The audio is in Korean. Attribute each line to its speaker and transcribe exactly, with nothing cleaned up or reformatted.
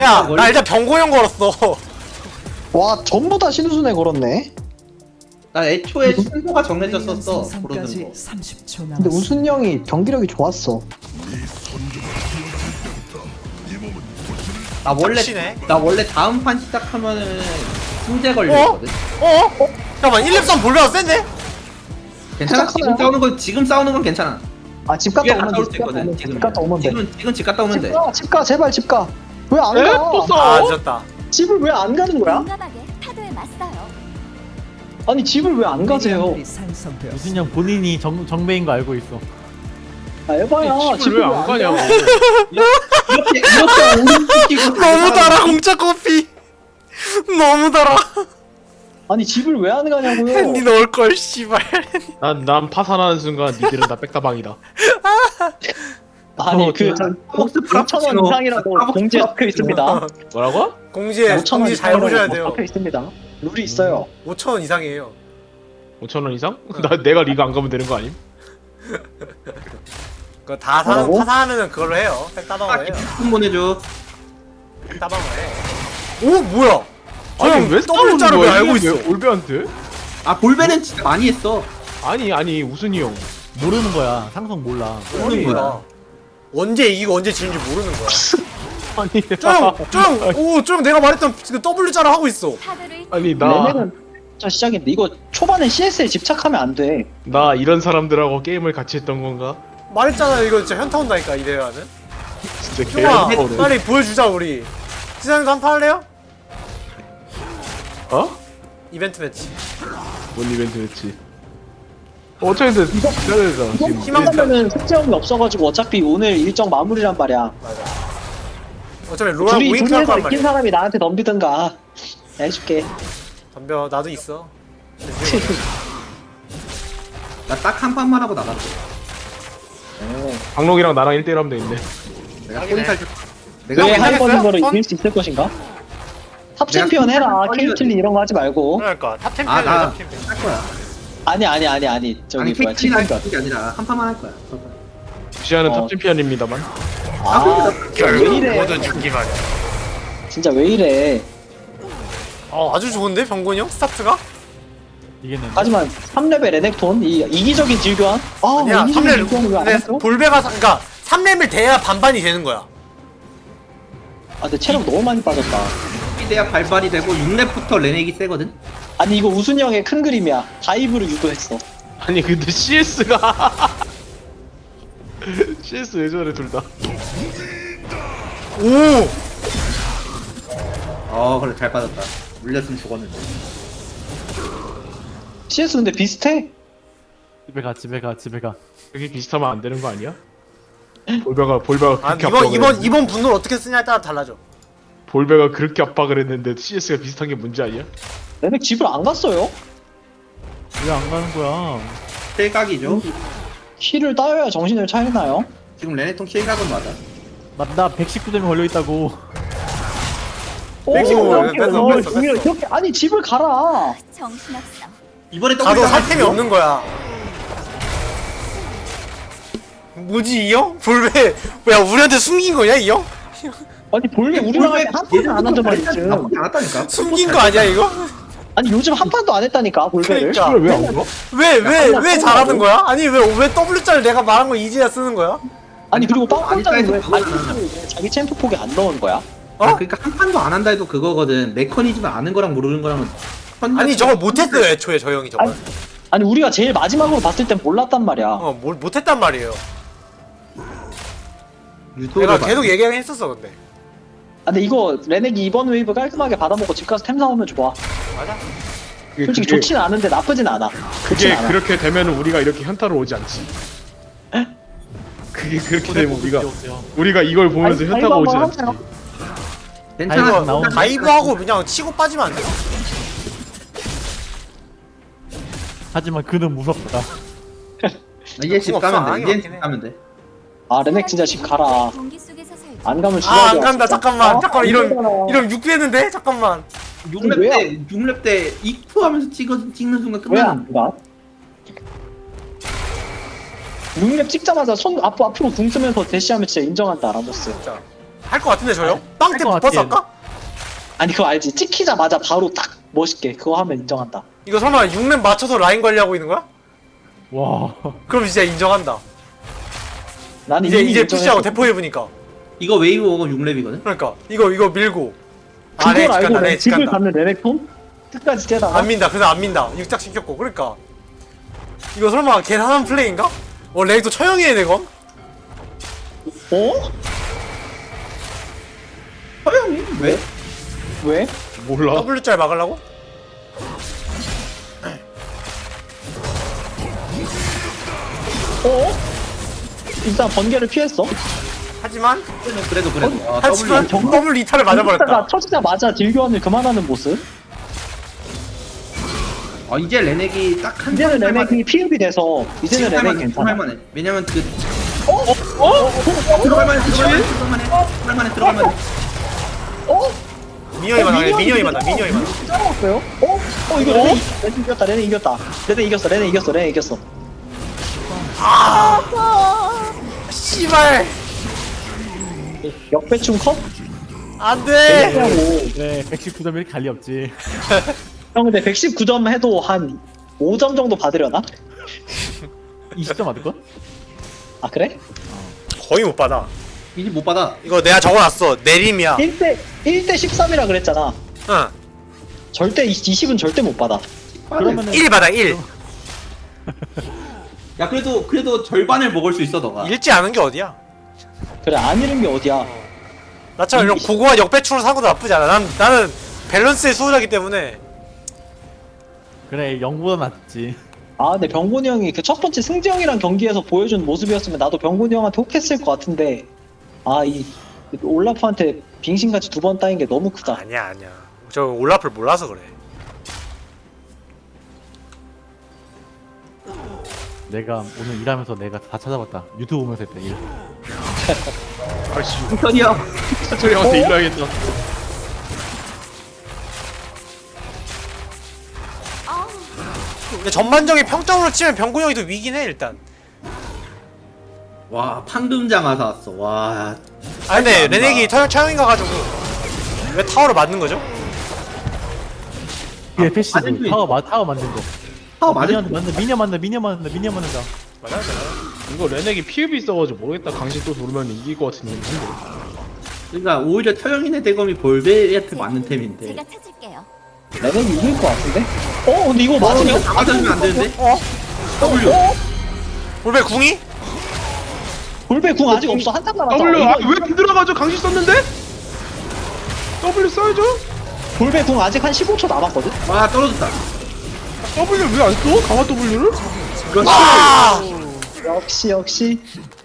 Speaker 1: 야, 나 일단 병고형 걸었어.
Speaker 2: 와 전부 다 신우순에 걸었네.
Speaker 3: 나 애초에 순서가 정해졌었어. 부르는
Speaker 4: 생성까지
Speaker 3: 거.
Speaker 4: 삼십 초
Speaker 2: 근데
Speaker 4: 남았습니다.
Speaker 2: 우순 형이 경기력이 좋았어.
Speaker 3: 나 원래
Speaker 1: 닥치네.
Speaker 3: 나 원래 다음 판 시작하면은 승제 걸려있거든.
Speaker 1: 어? 어? 잠깐만, 일, 렙 삼 볼베가 센데?
Speaker 3: 괜찮아? 지금 싸우는 건 지금 싸우는 건 괜찮아.
Speaker 2: 아 집 갔다
Speaker 3: 뒤에
Speaker 2: 오면
Speaker 3: 갔다
Speaker 2: 돼.
Speaker 3: 올 수
Speaker 2: 집 갔다
Speaker 3: 있거든.
Speaker 2: 오면 돼.
Speaker 3: 지금
Speaker 2: 집 갔다 오면 돼.
Speaker 3: 지금 지금 집 갔다 오면
Speaker 2: 집
Speaker 3: 돼.
Speaker 2: 가, 집 가, 제발 집 가. 왜 안
Speaker 5: 에?
Speaker 2: 가?
Speaker 5: 또 싸워?
Speaker 1: 아, 늦었다.
Speaker 2: 집을 왜 안 가는 거야?
Speaker 6: 용감하게 타도에 맞서요.
Speaker 2: 아니 집을 왜 안 가세요?
Speaker 4: 미니언들이 생성되었습니다.
Speaker 7: 무슨 형 본인이 정, 정배인 거 알고 있어.
Speaker 2: 아 에바야
Speaker 5: 집을 왜 안 가냐고.
Speaker 3: 이렇게 이렇게 오른쪽이고
Speaker 1: 너무 달아, 공짜 커피. 너무 달아.
Speaker 2: 아니 집을 왜 안 가냐고요?
Speaker 1: 핸디 넣을걸, 씨발.
Speaker 5: 난, 난 파산하는 순간 니들은 다 백다방이다.
Speaker 2: 아니
Speaker 7: 어,
Speaker 2: 그
Speaker 7: 저-
Speaker 3: 폭스
Speaker 2: 오천 원
Speaker 3: 프라푸치노.
Speaker 2: 이상이라고 공지에 적혀 있습니다.
Speaker 5: 뭐라고?
Speaker 1: 공지에,
Speaker 2: 오천 원
Speaker 1: 공지 잘 보셔야
Speaker 2: 이상이라고
Speaker 1: 돼요.
Speaker 2: 적혀 있습니다. 룰이 있어요.
Speaker 1: 오천 원 이상이에요.
Speaker 5: 오천 원 이상? 나 내가 리그 안 가면 되는 거 아님?
Speaker 1: 그거 다 사,
Speaker 2: 뭐라고?
Speaker 1: 파산하면은 그걸로 해요. 백다방을 해요.
Speaker 3: 좀 보내줘.
Speaker 1: 백다방을 해. 오, 뭐야?
Speaker 5: 아니
Speaker 1: 형,
Speaker 5: 왜 싸우는
Speaker 1: 더블자를 왜
Speaker 5: 거야?
Speaker 1: 알고
Speaker 5: 이게
Speaker 1: 있어?
Speaker 5: 왜 올베한테?
Speaker 3: 아 볼베는 진짜 많이 했어.
Speaker 5: 아니 아니 우순이 형.
Speaker 7: 모르는 거야. 상성 몰라.
Speaker 3: 모르는 거야.
Speaker 1: 언제 이기고 언제 지는지 모르는 거야.
Speaker 5: 아니
Speaker 1: 쫑! 쫑! 오, 쫑 내가 말했던 그 W자를 하고 있어.
Speaker 6: 타도를
Speaker 5: 아니 나 나
Speaker 2: 레넥은 자 시작인데 이거 초반에 씨에스에 집착하면 안 돼.
Speaker 5: 이런 사람들하고 게임을 같이 했던 건가?
Speaker 1: 말했잖아, 이거 진짜 현타 온다니까, 이 대회는.
Speaker 5: 진짜
Speaker 1: 쫑아,
Speaker 5: 개어네.
Speaker 1: 빨리 보여주자, 우리. 시장에서 한판 할래요?
Speaker 5: 어?
Speaker 1: 이벤트 매치.
Speaker 5: 뭔 이벤트였지? 어차피 근데 기다려야 지금.
Speaker 2: 희망하면은 숙제형이 없어가지고 어차피 오늘 일정 마무리란 말이야.
Speaker 1: 맞아. 어차피 로랑
Speaker 2: 둘이
Speaker 1: 우잉크 할
Speaker 2: 둘이서
Speaker 1: 거란
Speaker 2: 이긴
Speaker 1: 말이야.
Speaker 2: 사람이 나한테 덤비든가. 내가 해줄게.
Speaker 1: 덤벼, 나도 있어.
Speaker 3: 나 딱 한 판만 하고 나갔어.
Speaker 5: 강록이랑 나랑 일 대일 하면 되겠네.
Speaker 3: 내가
Speaker 1: 하긴
Speaker 3: 포인트
Speaker 1: 해.
Speaker 3: 할 줄. 내가
Speaker 2: 왜
Speaker 1: 형,
Speaker 2: 한
Speaker 1: 이겼어요?
Speaker 2: 번인 거를
Speaker 1: 선?
Speaker 2: 이길 수 있을 것인가? 탑
Speaker 3: 내가
Speaker 2: 챔피언 해라.
Speaker 3: 선발
Speaker 2: 케이틀린 이런 거 하지 말고.
Speaker 1: 그러니까, 탑
Speaker 3: 아,
Speaker 1: 챔피언이야,
Speaker 3: 나-
Speaker 1: 탑 챔피언.
Speaker 3: 할 거야.
Speaker 2: 아니 아니 아니 아니 저기
Speaker 3: 아니
Speaker 2: 뭐야
Speaker 3: 케이틀린 할
Speaker 2: 챔피언.
Speaker 3: 게 아니라 한 판만 할 거야.
Speaker 5: 시아는
Speaker 2: 어.
Speaker 5: 탑 챔피언입니다만.
Speaker 2: 아 왜 이래?
Speaker 1: 모든 죽기만 해.
Speaker 2: 진짜 왜 이래?
Speaker 1: 어, 아주 좋은데, 병곤이 형? 스타트가?
Speaker 7: 이겠는데.
Speaker 2: 하지만 삼 레벨 레넥톤 이 이기적인 질교환. 아
Speaker 1: 아니야,
Speaker 2: 이기적인
Speaker 1: 삼 렙.
Speaker 2: 질교환을 왜안
Speaker 1: 근데
Speaker 2: 했어?
Speaker 1: 볼베가, 사- 그니까, 삼 렙을 돼야 반반이 되는 거야.
Speaker 2: 아 근데 체력 너무 많이 빠졌다.
Speaker 3: 이대야 발발이 되고 육 렙부터 레넥이 세거든.
Speaker 2: 아니 이거 우순이 형의 큰 그림이야. 다이브를 유도했어.
Speaker 5: 아니 근데 씨에스가 씨에스 왜 저래 둘 다.
Speaker 1: 오!
Speaker 3: 어 그래 잘 빠졌다. 물렸으면 죽었는데.
Speaker 2: 씨에스 근데 비슷해.
Speaker 7: 집에 가, 집에 가, 집에 가.
Speaker 5: 그게 비슷하면 안 되는 거 아니야? 볼베가 볼베가
Speaker 1: 아,
Speaker 5: 그렇게
Speaker 1: 이번,
Speaker 5: 압박을
Speaker 1: 이번,
Speaker 5: 했는데,
Speaker 1: 이번 분노를 어떻게 쓰냐에 따라 달라져.
Speaker 5: 볼베가 그렇게 압박을 했는데 씨에스가 비슷한 게 문제 아니야?
Speaker 2: 레넥 집을 안 갔어요?
Speaker 7: 왜 안 가는 거야?
Speaker 3: 킬각이죠.
Speaker 2: 힐을 따여야 정신을 차리나요?
Speaker 3: 지금 레넥통 킬각은 맞아.
Speaker 7: 나, 나 백십구 점이 걸려있다고.
Speaker 2: 오,
Speaker 1: 백십오,
Speaker 2: 이렇게,
Speaker 1: 뺐어,
Speaker 2: 어,
Speaker 1: 뺐어, 뺐어.
Speaker 2: 이렇게, 이렇게. 아니 집을 가라.
Speaker 6: 정신없어.
Speaker 3: 이번에
Speaker 1: 가도
Speaker 3: W
Speaker 1: 살 템이 없는 거야. 뭐지, 이 형? 볼베, 야, 우리한테 숨긴 거냐, 이 형?
Speaker 2: 아니 볼게 우리랑 한 판도 안 한단 말이지.
Speaker 3: 나쁘지 않았다니까.
Speaker 1: 숨긴 거 아니야, 이거?
Speaker 2: 아니 요즘 한 판도 안 했다니까 볼베를.
Speaker 1: 그러니까.
Speaker 5: 이걸 왜안 가?
Speaker 1: 왜, 왜,
Speaker 2: 야,
Speaker 1: 왜 잘하는 거야? 아니, 왜, 왜 W자를 내가 말한 거 이제야 쓰는 거야?
Speaker 2: 아니 그리고 빵빵장이 왜
Speaker 3: 아니,
Speaker 2: 자기 챔프- 왜 자기 챔프 폭에 안 넣은 거야?
Speaker 1: 어?
Speaker 3: 아, 그러니까 한 판도 안 한다 해도 그거거든. 메커니즘을 아는 거랑 모르는 거랑은
Speaker 1: 아니, 저걸 못했어요, 애초에, 저 형이 저걸.
Speaker 2: 아니, 아니 우리가 제일 마지막으로 봤을 땐 몰랐단 말이야.
Speaker 1: 어, 뭘 못했단 말이에요.
Speaker 3: 유도를
Speaker 1: 내가
Speaker 3: 봐.
Speaker 1: 계속 얘기하긴 했었어, 근데.
Speaker 2: 아, 근데 이거 레넥이 이번 웨이브 깔끔하게 받아먹고 집 가서 템 사오면 좋아.
Speaker 1: 맞아?
Speaker 5: 그게,
Speaker 2: 솔직히
Speaker 5: 그게,
Speaker 2: 좋진 않은데 나쁘진 않아. 좋진
Speaker 5: 그게
Speaker 2: 않아.
Speaker 5: 그렇게 되면 우리가 이렇게 현타로 오지 않지. 그게 그렇게 되면 우리가 우리가 이걸 보면서
Speaker 2: 아니,
Speaker 5: 현타가
Speaker 2: 아이고,
Speaker 5: 오지
Speaker 2: 한번
Speaker 5: 않지.
Speaker 2: 하세요.
Speaker 3: 괜찮아.
Speaker 7: 아이고, 나오네.
Speaker 1: 다이브하고 그냥 치고 빠지면 안 돼.
Speaker 7: 하지만 그는 무섭다.
Speaker 3: 이제 집
Speaker 1: 없어,
Speaker 3: 가면 돼.
Speaker 1: 아니,
Speaker 3: 이제
Speaker 1: 없긴
Speaker 3: 집
Speaker 1: 해.
Speaker 3: 가면 돼.
Speaker 2: 아 레넥 진짜 집 가라.
Speaker 6: 공기 속에서 살지.
Speaker 2: 안 가면
Speaker 1: 아,
Speaker 2: 죽어야
Speaker 1: 안 간다, 잠깐만. 잠깐만, 이런,
Speaker 2: 이런
Speaker 1: 이런 육 되는데? 잠깐만.
Speaker 3: 육 렙
Speaker 2: 왜요?
Speaker 3: 때, 육 렙 때 이프 하면서 찍어, 찍는 순간 끝나는
Speaker 2: 왜안 가? 육 렙 찍자마자 손 앞, 앞으로 궁 쓰면서 대시하면 진짜 인정한다 라모스.
Speaker 1: 진짜. 할 것 같은데 저요? 빵태
Speaker 7: 것
Speaker 1: 버스
Speaker 7: 같아,
Speaker 1: 할까?
Speaker 2: 아니 그거 알지? 찍히자마자 바로 딱 멋있게 그거 하면 인정한다.
Speaker 1: 이거 설마 육 렙 맞춰서 라인 관리하고 있는 거야?
Speaker 7: 와.
Speaker 1: 그럼 진짜 인정한다.
Speaker 2: 나는
Speaker 1: 이제
Speaker 2: 이미
Speaker 1: 이제 푸시하고
Speaker 2: 인정했어.
Speaker 1: 대포 입으니까.
Speaker 3: 이거 웨이브 오고 육 렙이거든?
Speaker 1: 그러니까 이거 이거 밀고.
Speaker 2: 그걸
Speaker 1: 네,
Speaker 2: 알고
Speaker 1: 직간다,
Speaker 2: 내
Speaker 1: 네,
Speaker 2: 집을
Speaker 1: 직간다.
Speaker 2: 가는 레넥톤? 끝까지 째다가
Speaker 1: 안 민다. 그래서 안 민다. 육작 시켰고. 그러니까 이거 설마 계산한 플레이인가? 어 레이도 처형이네 내가.
Speaker 2: 어?
Speaker 3: 허영이? 왜?
Speaker 2: 왜?
Speaker 5: 몰라.
Speaker 1: W짤 막으려고?
Speaker 2: 어? 일단 번개를 피했어.
Speaker 1: 하지만
Speaker 3: 그래도 그래도 아,
Speaker 1: 하지만
Speaker 3: W
Speaker 1: W 이탈을
Speaker 2: 가
Speaker 1: 맞아버렸다.
Speaker 2: 터지자마자 딜교환을 그만하는 모습.
Speaker 3: 아 이제 레넥이 딱한
Speaker 2: 이제는 레넥이 피흡이 돼서 이제는 레넥이
Speaker 3: 할만해
Speaker 2: 괜찮아.
Speaker 3: 할만해 왜냐면 그
Speaker 2: 어? 어? 어?
Speaker 3: 들어갈만해 들어갈만해 들어갈만해 들어갈만해 들어갈만해
Speaker 2: 어?
Speaker 1: 미녀이 많아. 미녀이 많아. 미녀이 많아.
Speaker 2: 짜먹었어요? 어? 어 이거 레넥 레넥 이겼다 레넥 이겼다 레넥 이겼어 레넥 이겼어 레넥 이겼어.
Speaker 1: 씨발.
Speaker 2: 역배충 컷?
Speaker 1: 안돼.
Speaker 2: 레넥하고
Speaker 7: 네, 백십구 점이 갈리 없지.
Speaker 2: 형 근데 백십구 점 해도 한 오 점 정도 받으려나?
Speaker 7: 이십 점 맞을걸?
Speaker 2: 아 그래?
Speaker 1: 거의 못 받아.
Speaker 3: 이제 못 받아
Speaker 1: 이거 내가 적어놨어. 내림이야.
Speaker 2: 일 대 일 대 십삼이라 그랬잖아.
Speaker 1: 응.
Speaker 2: 절대 이십은 절대 못 받아.
Speaker 7: 그러면은
Speaker 1: 일 받아 일.
Speaker 3: 야 그래도 그래도 절반을 먹을 수 있어 너가
Speaker 1: 읽지 않은 게 어디야?
Speaker 2: 그래 안 잃은 게 어디야.
Speaker 1: 나처럼 이런 고고한 역배추로 사고도 나쁘지 않아. 난 나는 밸런스의 수호자기 때문에.
Speaker 7: 그래 영보다 낫지.
Speaker 2: 아 근데 병곤이 형이 그 첫 번째 승재 형이랑 경기에서 보여준 모습이었으면 나도 병곤이 형한테 혹했을 것 같은데 아 이 올라프한테 빙신같이 두 번 따인 게 너무 크다.
Speaker 1: 아니야 아니야. 저 올라프를 몰라서 그래.
Speaker 7: 내가 오늘 일하면서 내가 다 찾아봤다. 유튜브 보면서 했다 일.
Speaker 5: 아씨.
Speaker 3: 천이야
Speaker 5: 차철이 형한테 일러야겠다.
Speaker 1: 근데 전반적인 평점으로 치면 병구 형이 더 위긴 해 일단.
Speaker 3: 와 판금장 아사 왔어 와
Speaker 1: 아 근데
Speaker 3: 안다.
Speaker 1: 레넥이 터 처형인 가가지고 왜 타워를 맞는 거죠?
Speaker 7: 그게 패시브.
Speaker 3: 아니,
Speaker 7: 타워 마 타워 만든 거.
Speaker 3: 타워 맞을
Speaker 7: 미니언 만든 미니언 만든 미니언 만든 미니언 만든다.
Speaker 1: 맞아 맞아.
Speaker 5: 이거 레넥이 피읍이 있어가지고 모르겠다. 강신 또 돌면 이길 것 같은 느낌인데.
Speaker 3: 그러니까 오히려 터영인의 대검이 볼베한테 맞는 템인데
Speaker 6: 제가 찾을게요.
Speaker 2: 레넥이 이길 것 같은데? 어 근데 이거 맞으냐?
Speaker 3: 다 맞아주면 안 되는데?
Speaker 1: 어?
Speaker 3: W
Speaker 2: 어?
Speaker 1: 볼베 궁이?
Speaker 2: 볼베 궁 아직 없어 한참 남았다.
Speaker 5: W
Speaker 2: 이거-
Speaker 5: 아왜 들어가죠? 강신 썼는데? W 써야죠.
Speaker 2: 볼베 궁 아직 한 십오 초 남았거든?
Speaker 3: 와 떨어졌다
Speaker 5: W 왜 안 써? 강화 W를?
Speaker 3: 그렇지
Speaker 1: 아!
Speaker 2: 역시 역시